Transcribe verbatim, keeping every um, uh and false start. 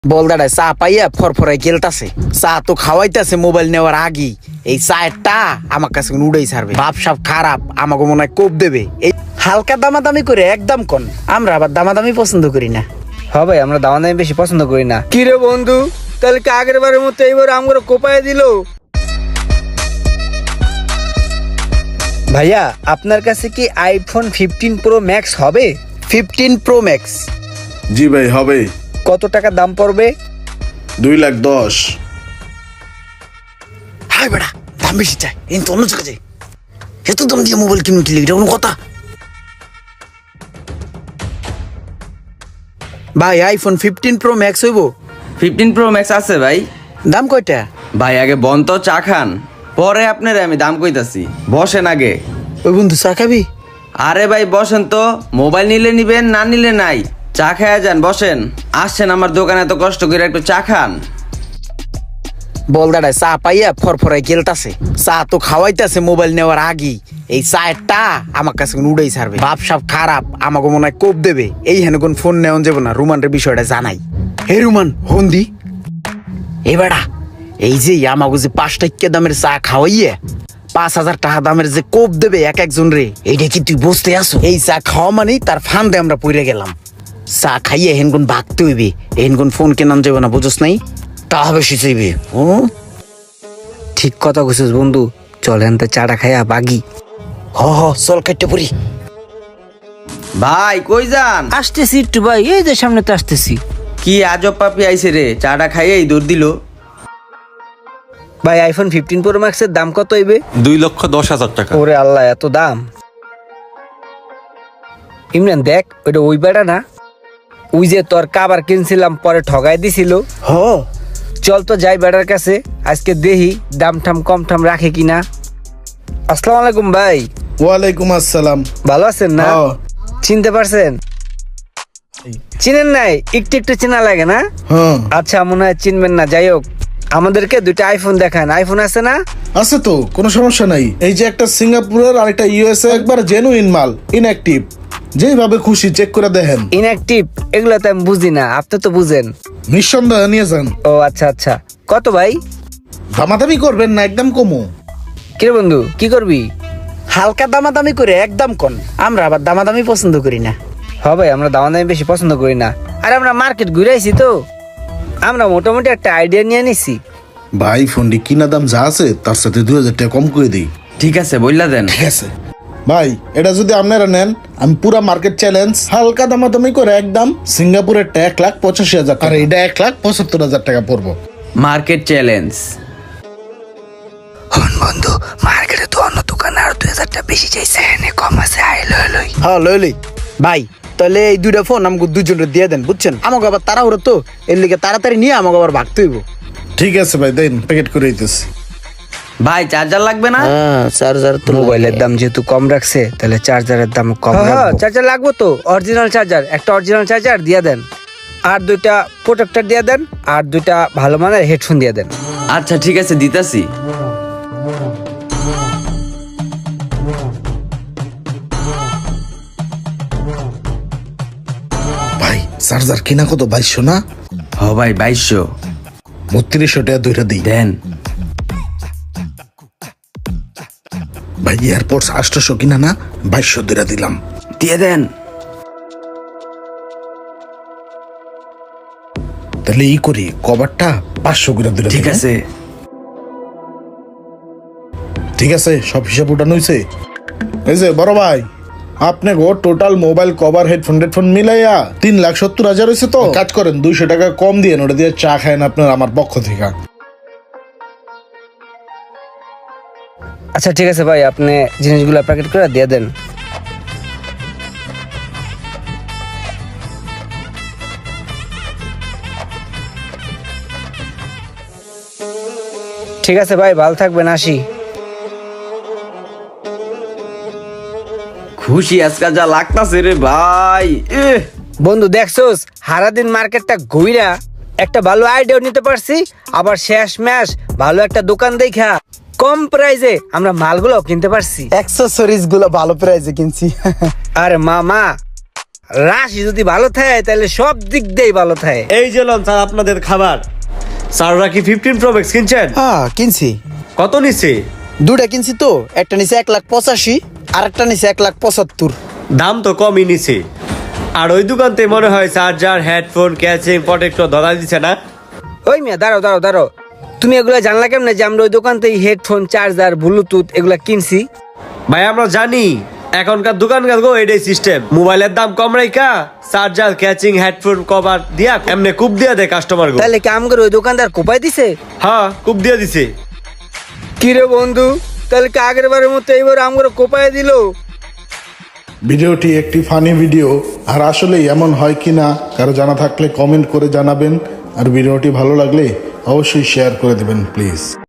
বলদাটায় চা পাইয়া ফরফরাই গেলতাছে। চা তো খাওয়াইতাছে মোবাইল নেওয়ার আগেই। এই চায়েরটা আমার কাছে উড়াই ছাড়বে। বাপ সাপ খারাপ, আমাকে মনে হয় কোপ দেবে। এই হালকা দামাদামি করে একদম কন, আমরা আবার দামাদামি পছন্দ করি না। হ্যাঁ ভাই, আমরা দামাদামি বেশি পছন্দ করি না। কি রে বন্ধু, তাহলে কি আগের বারের মতো এইবার আমগুলো কোপায় দিল? ভাইয়া, আপনার কাছে কি আইফোন ফিফটিন প্রো ম্যাক্স হবে? Fifteen pro max? জি ভাই হবে। কত টাকা দাম পড়বে? দুই লাখ দশ। হাই বেড়া, দাম বেশি চাই, এই তো অন্য জায়গায় যাই। এত দাম দিয়ে মোবাইল কিনুন কিনলে এটা কোনো কথা? ভাই আইফোন ফিফটিন প্রো ম্যাক্স হইব? ফিফটিন প্রো ম্যাক্স আছে ভাই। দাম কয়টা? ভাই আগে বন তো চা খান, পরে আপনার আমি দাম কইতাছি। বসেন আগে। ওই বন্ধু চা খাবি? আরে ভাই বসেন তো, মোবাইল নিলে নিবেন, না নিলে নাই। চা খায়া যান, বসেন। আসছেন আমার দোকানে এত কষ্ট করে, একটু চা খান। বলদাটায় চা পাইয়া ফরফরাই গেলতাছে। চা তো খাওয়াইতাছে মোবাইল নেওয়ার আগেই। এই চায়েরটা আমার কাছে উড়াই ছাড়বে। বাপ সাপ খারাপ, আমাকে মনে হয় কোপ দেবে। এই হেন কোন ফোন নেওয়া যাবে না, রুমানের বিষয়টা জানাই। হে রুমান, ফোন দি। এ বেড়া, এই যে আমাকে যে পাঁচ টাকা দামের চা খাওয়াইয়া পাঁচ হাজার টাকা দামের যে কোপ দেবে এক একজন রে, এইটা কি তুই বুঝতে আসো? এই চা খাওয়া মানেই তার ফান্দে আমরা পড়ে গেলাম। চা খাইয়ে হেনগুন ভাগতে হইবে, হেনগুন ফোন কেনান যাবে না, বুঝোস নাই? তা বেশি চাইবে। ও ঠিক কথা কইছিস বন্ধু, চলেন তো চাটা খাইয়া বাগি। হ হ, চল কাটতে পড়ি। ভাই কই যান? আসতেছি একটু ভাই, এই যে সামনে তো আসতেছি। কি আজব পাপি আইছে রে, চাটা খাইয়েই দূর দিল। ভাই আইফোন ফিফটিন প্রো ম্যাক্সের দাম কত হইবে? দুই লক্ষ দশ হাজার টাকা। ওরে আল্লাহ, এত দাম! ইমরান দেখ, ওইটা ওই বেড়া না? ওই যে তোর কাবার কিনছিলাম পরে ঠগাই দিছিল। হ, চল তো যাই বেড়ার কাছে, আজকে দেখি দাম ঠাম কম ঠাম রাখে কিনা। আসসালামু আলাইকুম ভাই। ওয়ালাইকুম আসসালাম। ভালো আছেন না? হ্যাঁ। চিনতে পারছেন? চিনেন নাই? একটু একটু চেনা লাগে না? হ্যাঁ আচ্ছা, মনে হয় চিনবেন না। যাই হোক, আমাদেরকে দুইটা আইফোন দেখান। আইফোন আছে না? আছে তো, কোনো সমস্যা নাই। এই যে একটা সিঙ্গাপুরের আর একটা ইউএসএ, একবার জেনুইন মাল, ইনঅ্যাক্টিভ। যেভাবে খুশি চেক করে দেখেন। ইনঅ্যাক্টিভ এগুলো তো আমি বুঝি না, আপনি তো বুঝেন। নিঃসন্দেহে নিয়ে যান। ও আচ্ছা আচ্ছা, কত ভাই? দামাদামি করবেন না, একদম কমো। কিরে বন্ধু, কি করবি? হালকা দামাদামি করে একদম কন, আমরা আবার দামাদামি পছন্দ করি না। হ্যাঁ ভাই, আমরা দামাদামি বেশি পছন্দ করি না। আর আমরা মার্কেট ঘুরে আইছি তো, আমরা মোটামুটি একটা আইডিয়া নিয়ে নিছি। ভাই ফোনটি কিনা দাম যা আছে তার সাথে দুই হাজার টাকা কম করে দিই। ঠিক আছে, বললা দেন। ঠিক আছে ভাই, এটা যদি আপনারা নেন, আমি পুরা মার্কেট চ্যালেঞ্জ হালকা দামাদামি করে একদম সিঙ্গাপুরের এক লাখ পঁচাশি হাজার টাকা, আর এটা এক লাখ পঁচাত্তর হাজার টাকা পড়বো। Market challenge. হন বন্ধু, মার্কেটে তো অন্য দোকানে আর দুই হাজার টাকা বেশি চাইছে, এনে কম আছে। আই লই লই। হ্যাঁ লই লই ভাই, তাহলে এই দুইটা ফোন আমাকে দুজনের দিয়ে দেন, বুঝছেন? আমাকে আবার তাড়াহুড়ো তো, এর লিগে তাড়াতাড়ি নিয়ে আমাকে আবার ভাগতে হইব। ঠিক আছে ভাই, দেন প্যাকেট করে দিতেছি। ভাই চার্জার লাগবে না? হ্যাঁ, চার্জার তো মোবাইলের দাম যেহেতু কম রাখছে, তাহলে চার্জারের দাম কম রাখবো। চার্জার লাগবো তো, অরিজিনাল চার্জার, একটা অরিজিনাল চার্জার দিয়ে দেন। আর দুইটা প্রোটেক্টর দিয়ে দেন, আর দুইটা ভালো মানের হেডফোন দিয়ে দেন। আচ্ছা ঠিক আছে, দিতাছি। ভাই চার্জার কিনা কত? বাইশশো না? হ ভাই, বাইশশো। বত্রিশশো টাকা দুইটা দিই। দেন। ভাই এয়ারপোর্টস আটশোশো কিনা না? বাইশশো দুইটা দিলাম। দিয়ে দেন। তাহলে ই করি, কভারটা পাঁচশো করে দিলাম। ঠিক আছে। ঠিক আছে, সব হিসাব উঠানো হয়েছে। এই যে বড় ভাই, আপনি গো total mobile cover headphone headphone মিলাইয়া তিন লাখ সত্তর হাজার হয়েছে। তো কাজ করেন, দুইশো টাকা কম দিয়ে ওটা দিয়ে চা খায়েন আপনার আমার পক্ষ থেকে। আচ্ছা ঠিক আছে ভাই, আপনি জিনিসগুলো প্যাকেট করে দিয়ে দেন। ঠিক আছে ভাই, ভালো থাকবেন, আসি। খুশি আজকাল যা লাগতাছে রে ভাই। এহ, বন্ধু দেখছোস, সারাদিন মার্কেটটা ঘুইরা একটা ভালো আইডিয়া নিতে পারছি, আবার শেষ ম্যাশ ভালো একটা দোকান দেখা কম প্রাইজে আমরা মালগুলো কিনতে পারছি। অ্যাক্সেসরিজ গুলো ভালো প্রাইসে কিনছি। আরে মামা, রাশি যদি ভালো থাকে তাহলে সব দিক দিয়েই ভালো থাকে। এই যে লন স্যার আপনাদের খাবার। স্যাররা কি ফিফটিন প্রো ম্যাক্স কিনছেন? হ্যাঁ কিনছি, কত নিচ্ছে? দুটা কিনছি তো, একটা নিচে এক লাখ পঁচাশি আর একটা নিচে এক লাখ পঁচাত্তর। দাম তো কমই নিছে। আর ওই দোকানতে মনে হয় চার্জার, হেডফোন, ক্যাচিং, প্রোটেক্টর ধরা দিচ্ছে না? ওই মিয়া দাঁড়াও দাঁড়াও দাঁড়াও, তুমি এগুলা জানলা কেমনে যে আমরা ওই দোকান থেকে হেডফোন, চার্জার, ব্লুটুথ এগুলা কিনছি? ভাই আমরা জানি এখনকার দোকানকার গো এটাই সিস্টেম, মোবাইলের দাম কম রাইকা চার্জার, ক্যাচিং, হেডফোন কভার দিয়া এমনি কুপ দিয়া দেয় কাস্টমার গো। তাহলে কি আমগর ওই দোকানদার কোপাই দিছে? হ্যাঁ কুপ দিয়া দিছে। কিরে বন্ধু, তাহলে কি আগের বারের মতো এইবার আমগর কোপাই দিল? ভিডিওটি একটি ফানি ভিডিও, আর আসলে এমন হয় কিনা কারো জানা থাকলে কমেন্ট করে জানাবেন, আর ভিডিওটি ভালো লাগলে অবশ্যই শেয়ার করে দেবেন প্লিজ।